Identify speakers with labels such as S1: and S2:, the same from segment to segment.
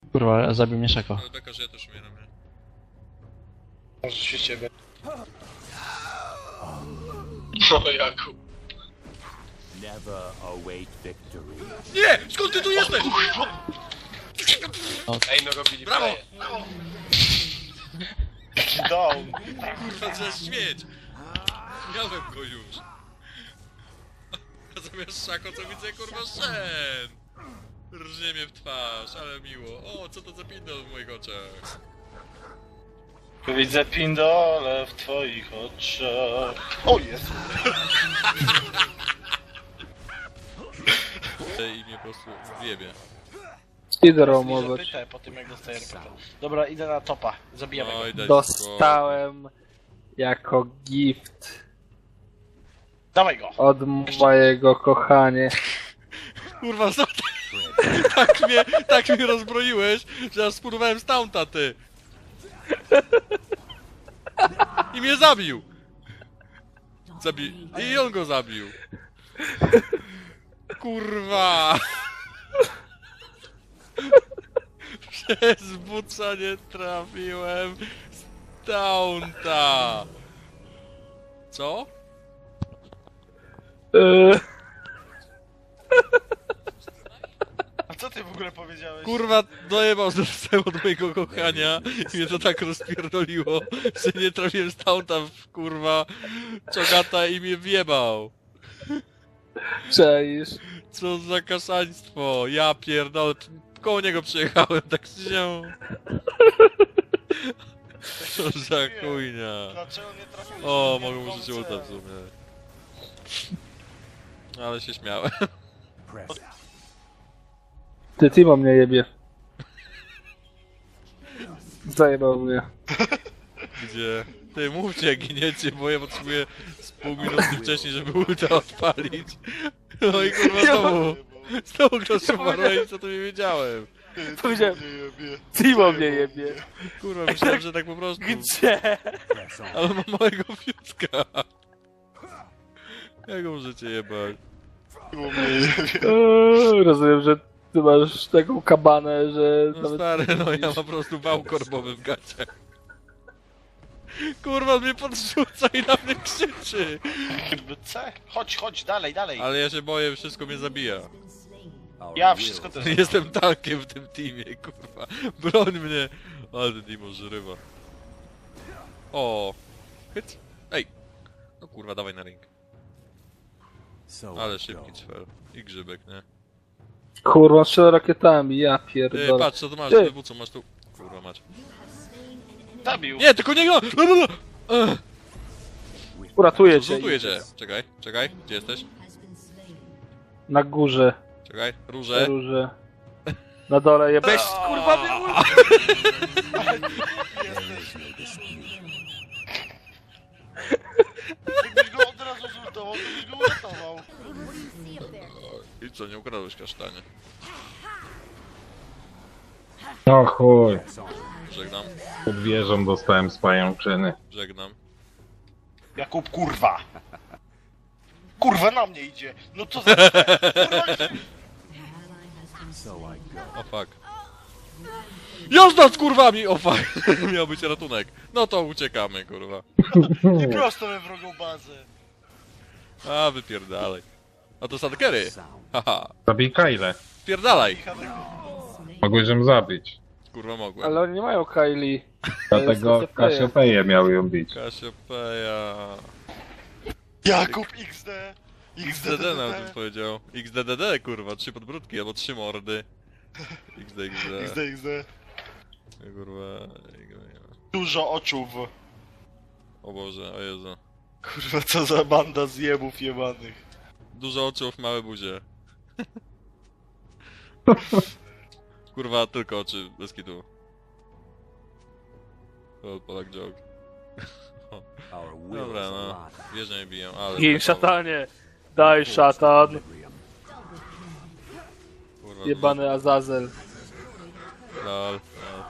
S1: Kurwa, zabił mnie Szako.
S2: Ale beka, że ja też umieram, nie?
S3: Może się ciebie. No Jakub.
S4: Never await victory.
S2: Nie! Skąd ty tu jesteś?
S3: Ej, no robili
S2: Brawo!
S3: faję. Down.
S2: Kurwa, trzeba śmieć! Miałem go już. A zamiast Szako, co widzę, kurwa, Shen! Rżnie mnie w twarz, ale miło. O, co to za pindol w moich oczach?
S3: Widzę pindole w twoich oczach. O Jezu.
S2: I mnie po prostu wiebie.
S5: Idę
S3: Że
S5: roamować.
S3: pytę po tym jak dostaję RPT. Dobra, idę na topa. Zabijamy go.
S2: Oj, daj
S5: Dostałem jako gift
S3: Dawaj go.
S5: od mojego kochania.
S2: Kurwa, co ty? Tak mnie rozbroiłeś, że aż spurwałem z taunta, ty! I mnie zabił! I on go zabił! Kurwa! Przez buca nie trafiłem z taunta! Co?
S3: A co ty w ogóle powiedziałeś?
S2: Kurwa, dojebał zostałem od mojego kochania i mnie to tak rozpierdoliło, że nie trafiłem z taunta w kurwa czogata i mnie wjebał.
S5: Czaisz?
S2: Co za kasaństwo, ja pierdolę, koło niego przyjechałem, tak się. Co za chujnia.
S3: Dlaczego nie trafiłeś?
S2: O, mogę użyć ulta w sumie. Ale się śmiałem.
S4: Press.
S5: Ty Timo mnie jebie. Zajebał mnie.
S2: Gdzie? Ty mówcie jak giniecie, bo ja potrzebuję z pół minuty wcześniej, żeby ulta odpalić. No i kurwa znowu ktoś umarł i co to nie wiedziałem.
S5: Powiedziałem, Timo mnie jebie.
S2: Kurwa, myślałem, że tak po prostu.
S5: Gdzie?
S4: Press on.
S2: Ale mam małego fiutka. Jak go możecie jebać?
S5: Rozumiem, że ty masz taką kabanę, że
S2: No stary, no ja mam po prostu wał korbowy w gaciach. Kurwa, on mnie podrzuca i na mnie krzyczy.
S3: C? Chodź, dalej.
S2: Ale ja się boję, wszystko mnie zabija.
S4: Our
S3: Ja
S4: will
S3: wszystko też.
S2: Jestem tankiem w tym teamie, kurwa. Broń mnie. Ale ten Dimo żyrywa. O. Hyc. Ej. No kurwa, dawaj na ring.
S4: So
S2: Ale
S4: I
S2: szybki
S4: go.
S2: cwer. I grzybek, nie?
S5: kurwa strzela rakietami, ja
S2: Ty,
S5: pierdolę.
S2: patrz, co tu masz,
S5: Ty.
S2: co masz tu. Kurwa, masz.
S3: Zabił.
S2: Nie, tylko nie go!
S5: Uratuję cię.
S2: Zlutuję cię. Czekaj, gdzie jesteś?
S5: Na górze,
S2: Czekaj, róże.
S5: róże. Na dole jebać, kurwa mnie
S3: Gdybyś go od razu zultował, to byś go uratował.
S2: I co, nie ukradłeś kasztanie?
S6: No chuj,
S4: Press on.
S2: Żegnam,
S6: pod wieżą dostałem z pajączyny.
S2: żegnam.
S3: Jakub, kurwa. Kurwa, na mnie idzie. No co za... Kurwa,
S4: So I go.
S2: O fuck. Jazda z kurwami! O fuck! Miał być ratunek. No to uciekamy, kurwa.
S3: nie prosto we wrogą bazę.
S2: A, wypierdalaj. A to Sadkery!
S4: Sound.
S2: Haha.
S6: Zabij Kyle.
S2: Spierdalaj!
S6: Mogłeś ją zabić.
S2: Kurwa mogłem.
S5: Ale oni nie mają Kylie.
S6: Dlatego
S5: jest
S6: Kasiopeję miał ją bić.
S2: Kasiopeja.
S3: Jakub XD.
S2: XDD nawet powiedział. XDDD, kurwa, 3 podbródki albo 3 mordy. XD.
S3: XD.
S2: Kurwa.
S3: Dużo oczów.
S2: O Boże, o Jezu.
S3: Kurwa, co za banda zjebów jebanych.
S2: Dużo oczów, małe buzie. Kurwa, tylko oczy, bez kitu. O, Polak joke.
S4: Our will
S2: Dobra,
S4: is
S2: no.
S4: alive.
S2: Wieże mnie biją, ale...
S5: Gin szatanie. Daj szatan.
S4: Equilibrium.
S2: Kurwa,
S5: Jebany Azazel.
S2: lol.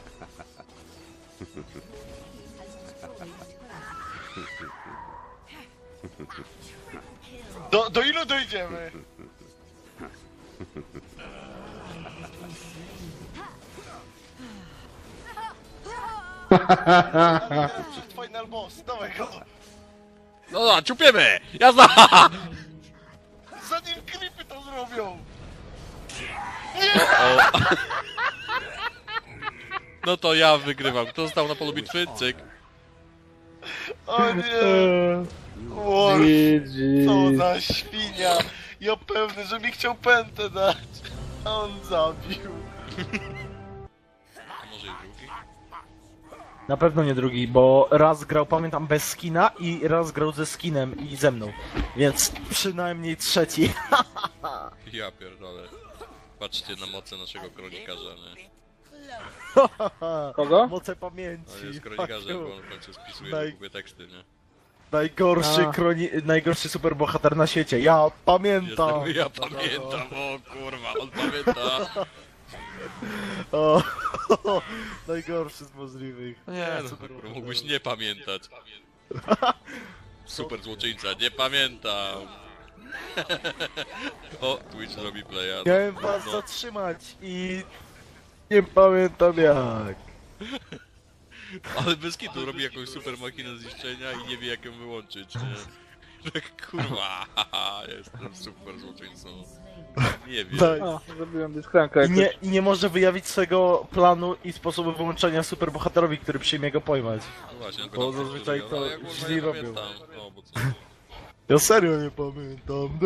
S3: Do ilu dojdziemy? Przed final boss, dawaj go!
S2: No, ciupiemy! Jazda!
S3: Zanim creepy to zrobią!
S2: No to ja wygrywam. Kto został na polu bitwy? Cyk.
S3: O nie! War, co za świnia! Ja pewny, że mi chciał pętę dać, a on zabił.
S2: A może i drugi?
S5: Na pewno nie drugi, bo raz grał, pamiętam, bez skina i raz grał ze skinem i ze mną. Więc przynajmniej trzeci.
S2: Ja pierdolę. Patrzcie na moce naszego kronikarza, nie?
S5: Kogo? Moce pamięci.
S2: On jest kronikarzem, bo on w końcu spisuje
S5: Daj.
S2: długie teksty, nie?
S5: Najgorszy superbohater na świecie. Ja pamiętam.
S2: Ja pamiętam, o kurwa, on pamięta.
S5: O, najgorszy z możliwych.
S2: Nie, no, kurwa, mógłbyś nie pamiętać. Super złoczyńca, nie pamiętam. O, Twitch robi playa.
S5: Miałem was
S2: No.
S5: zatrzymać i nie pamiętam jak.
S2: Ale bez kitu robi jakąś super machinę zniszczenia i nie wie jak ją wyłączyć, nie? Że kurwa, haha, jestem super złoczyńcą. Nie wiem.
S5: Tak.
S1: O, zrobiłem dyskranka
S5: I nie może wyjawić swego planu i sposobu wyłączenia superbohaterowi, który przyjmie go pojmać.
S2: No właśnie, on
S5: Bo
S2: go tam
S5: zazwyczaj
S2: przeżywa,
S5: to
S2: ale ja kurwa
S5: źli
S2: nie
S5: robią.
S2: pamiętam. No, bo co?
S5: Ja serio nie pamiętam.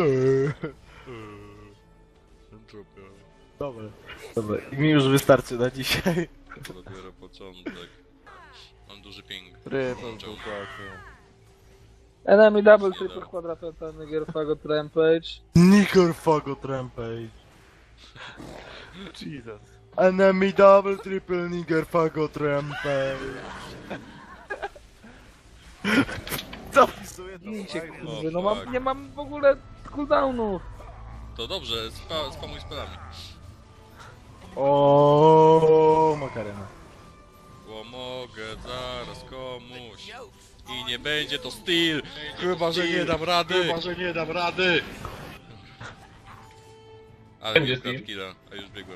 S5: Dobra. Dobra, i mi już wystarczy na dzisiaj.
S2: To dopiero początek. Mam duży ping.
S7: Włączał.
S1: Enemy double, triple, quadruple, Niger, Fagot, Rampage.
S5: Nigger Fagot Rampage.
S7: Jesus.
S5: Enemy double triple nigger fagot rampage. Zapisuję to.
S1: Bijcie,
S5: fajnie.
S1: kurde, no
S2: fuck.
S1: nie mam w ogóle cooldownów.
S2: To dobrze, spamuj spelami.
S5: O, makarena.
S2: Pomogę zaraz komuś. I nie będzie to styl. Chyba, że nie dam rady. Ale
S6: Będzie
S2: nie
S6: Steel.
S2: krat killa, a już biegłem.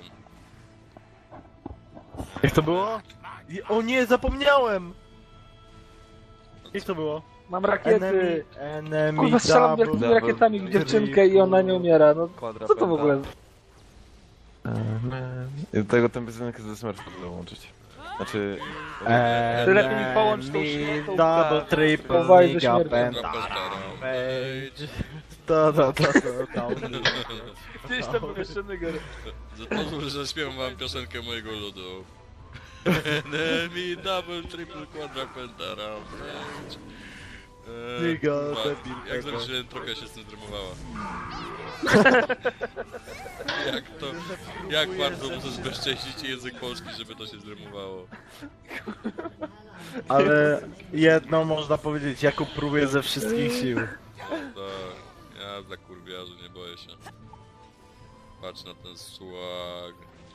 S5: Jak to było? O nie, zapomniałem! Jak to było?
S1: Mam rakiety.
S5: Enemy
S1: Kurwa, strzelam
S5: double,
S1: wielkimi rakietami w dziewczynkę i ona nie umiera, no co to w ogóle?
S7: I do tego tę piosenkę ze Smurfów dołączyć. Znaczy...
S5: Enemy
S1: Lepiej mi połącz tą śmieszną
S5: double triple
S1: Powaj ze
S5: nigga
S1: śmiercią.
S5: penta page. Da.
S1: Gdzieś tam był jeszcze Niger.
S2: Pozwól, że zaśpiewam wam piosenkę mojego ludu. Enemy, double, triple, quadra, pentagram.
S5: Nigga,
S2: kurwa,
S5: debil,
S2: jak
S5: tego.
S2: zobaczyłem, trochę się z tym zdrymowała. Jak bardzo muszę zbezcześcić język polski, żeby to się zdrymowało.
S5: Ale jedno można powiedzieć, Jakub próbuje ze wszystkich sił.
S2: Tak, ja dla kurwiarzy nie boję się. Patrz na ten swag.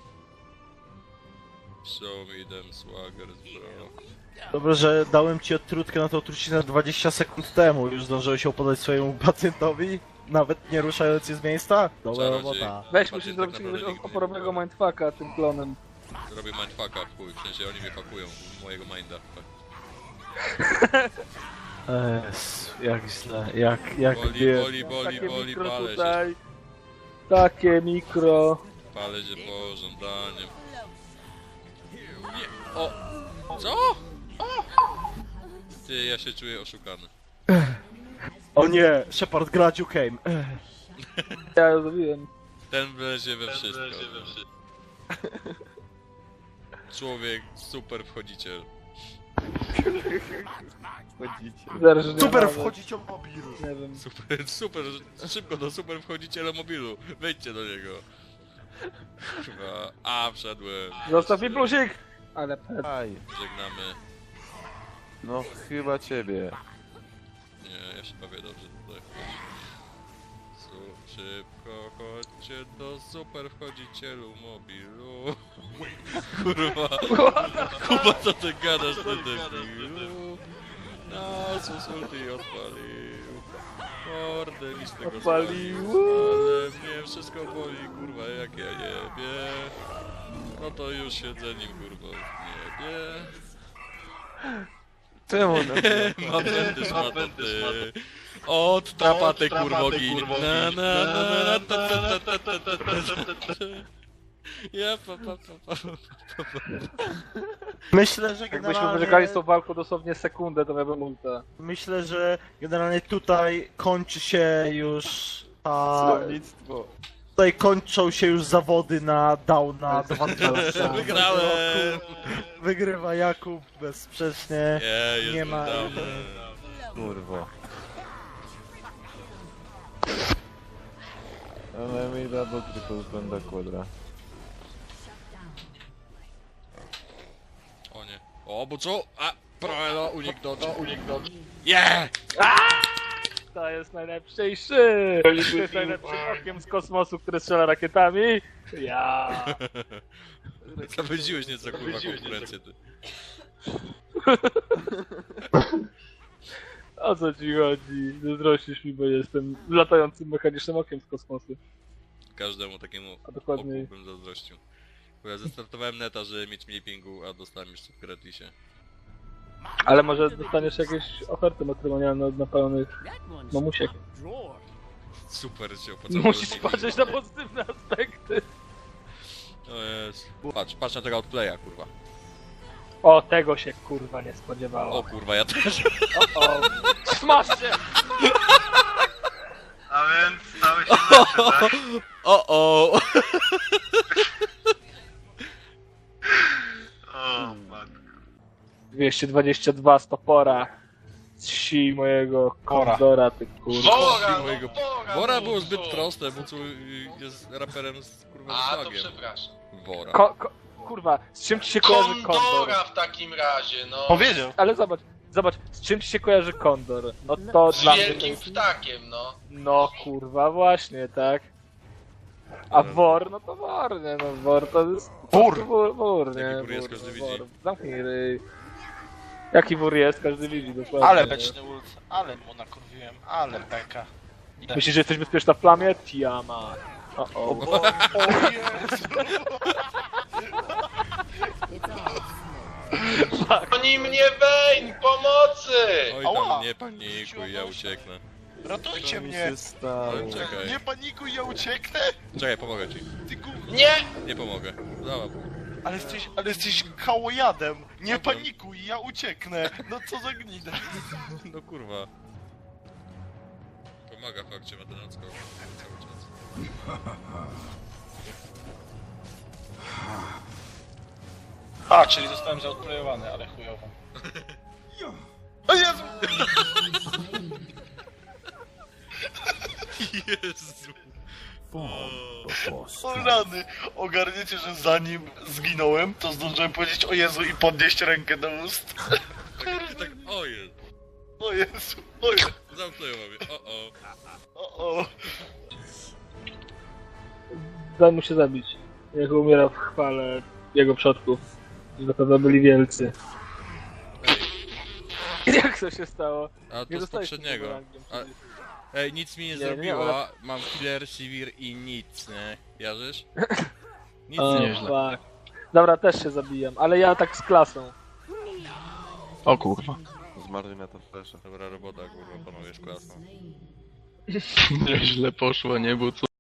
S2: Show me them swaggers, bro.
S5: Dobrze, że dałem ci odtrutkę na tą trucinę 20 sekund temu. Już zdążyłeś ją podać swojemu pacjentowi? Nawet nie ruszając się z miejsca? Dobra
S2: Czarodziej.
S5: robota.
S1: Weź,
S2: Patrzcie,
S1: musisz
S2: tak
S1: zrobić
S2: naprawdę
S1: jakiegoś
S2: nigdy nie
S1: oporowego
S2: byłem.
S1: mindfucka tym klonem.
S2: Robię mindfucka, chuj, w sensie oni mnie pakują w mojego minda.
S5: Jak źle, jak
S2: Boli,
S1: mikro
S2: palę się.
S1: tutaj. Takie mikro.
S2: Palę się po żądaniem. Nie, o! Co? Ty, ja się czuję oszukany.
S5: O nie, Shepard gra Duke'em.
S1: Ja ją zrobiłem.
S2: Ten wlezie we wszystko. Człowiek, super wchodziciel.
S1: Zaraz, że nie
S5: Super
S1: nawet.
S5: wchodzić o mobil.
S1: Nie wiem.
S2: Super, szybko do super wchodziciela mobilu. Wejdźcie do niego. Chyba, wszedłem.
S1: Zostaw mi plusik! Ale pet.
S7: Aj,
S2: Żegnamy.
S7: no chyba ciebie.
S2: Nie, ja się bawię dobrze tutaj. Szybko chodźcie do super wchodzicielu mobilu. Kurwa. Kuba, co ty gadasz, ty debilu? Nas usulti odpalił. Mordę mi z tego
S1: Odpalił.
S2: zwalił. Ale mnie wszystko boli, kurwa, jak ja jebie. No to już siedzenie kurwa w niebie.
S7: Czemu?
S2: Ma będę szmatę, ty. Od trapatę kurwogi. Na na na na ta ta ta ta ta ta ta ta. Ja pa pa pa pa pa.
S5: Myślę, że
S1: Jakbyśmy
S5: generalnie...
S1: wygrali z tą walką dosłownie sekundę, to miałbym ulta.
S5: Myślę, że generalnie tutaj kończy się już ta...
S7: Słownictwo.
S5: Tutaj kończą się już zawody na Downa 2000.
S2: Wygrałem!
S5: Wygrywa Jakub bezsprzecznie.
S2: Jest
S5: Nie ma-
S2: dawno.
S7: Kurwa. Ale mi double triple benda quadra.
S2: O nie. O, bo co? A! Proelo, unik dodge. Yeah!
S1: To jest najlepszy! To jest najlepszym okiem z kosmosu, które strzela rakietami. Ja.
S2: Zawęziłeś nieco kurwa konkurencję, ty.
S1: O co ci chodzi? Zazdrościsz mi, bo jestem latającym mechanicznym okiem z kosmosu.
S2: Każdemu takiemu
S1: A dokładniej-
S2: oku bym zazdrościł. Bo ja zestartowałem neta, żeby mieć mniej pingu, a dostałem jeszcze w gratisie.
S1: Ale może dostaniesz jakieś oferty matrymonialne od napalonych mamusiek.
S2: Super się opłacało.
S1: Musisz patrzeć na pozytywne aspekty.
S2: O jest. Patrz na tego outplaya, kurwa.
S1: O, tego się kurwa nie spodziewało.
S2: O kurwa, ja też.
S1: O, smash się!
S3: A więc stałeś się lepszy, tak?
S2: O!
S3: O, matko.
S1: 222 stopora. Si mojego kondora, ty kurwa.
S3: Bora, no
S2: mojego-
S3: Bora!
S2: Wora
S3: no,
S2: było zbyt
S3: co?
S2: proste, bo co jest raperem z kurwa
S3: A, to
S2: flagiem.
S3: przepraszam.
S2: Wora.
S1: Kurwa, z czym ci się kojarzy kondor?
S3: Kondora w takim razie, no.
S5: Powiedział.
S1: Ale zobacz, z czym ci się kojarzy kondor? No to
S3: Z
S1: dla mnie to
S3: wielkim
S1: jest...
S3: ptakiem, no.
S1: No kurwa, właśnie, tak? A wor, no to wor, nie no, wor to jest...
S5: Wór!
S1: Wór, nie?
S2: Jaki wór jest, każdy widzi.
S1: Zamknij ryj. Jaki wór jest, każdy widzi, dokładnie.
S8: Ale beczny ult, ale mu nakurwiłem, ale beka.
S1: Myślisz, że jesteś bezpieczna w plamie? Tiama. O.
S3: Oni mnie Vayne, pomocy!
S2: Oj
S8: Ała!
S2: tam, nie panikuj, ja ucieknę.
S8: Ratujcie
S7: Co mi
S8: mnie!
S7: się stało?
S2: Ale czekaj.
S8: Nie panikuj, ja ucieknę!
S2: Czekaj, pomogę ci.
S8: Ty gówno!
S3: Nie!
S2: Nie pomogę. Załap.
S8: Ale jesteś kałojadem! Nie panikuj, ja ucieknę! No co za gnida!
S2: No kurwa. Pomaga fakcie matenacko cały czas.
S8: A, czyli zostałem zaodplejowany, ale chujowo.
S3: O Jezu!
S2: Jezu.
S3: O rany! Ogarniecie, że zanim zginąłem, to zdążyłem powiedzieć o Jezu i podnieść rękę do ust.
S2: Tak, o jest.
S3: O Jezu, o Jezu,
S2: Zamknęło mnie. O.
S3: o.
S1: Daj mu się zabić. Jak umiera w chwale jego przodków. Na pewno byli wielcy.
S2: Ej,
S1: Jak to się stało?
S2: a
S1: Nie
S2: to z
S1: dostałeś
S2: poprzedniego.
S1: tego rangiem
S2: A-
S1: przecież.
S2: Ej, nic mi nie
S1: Nie,
S2: zrobiła. Mam killer, sivir i nic, nie? Jarzysz? Nic
S1: O,
S2: nie.
S1: fuck. Dobra, też się zabijam, ale ja tak z klasą.
S8: O kurwa.
S7: Zmarli na to flasha.
S2: Dobra robota, kurwa, panowie z klasą.
S8: Źle poszło, nie? Bo co?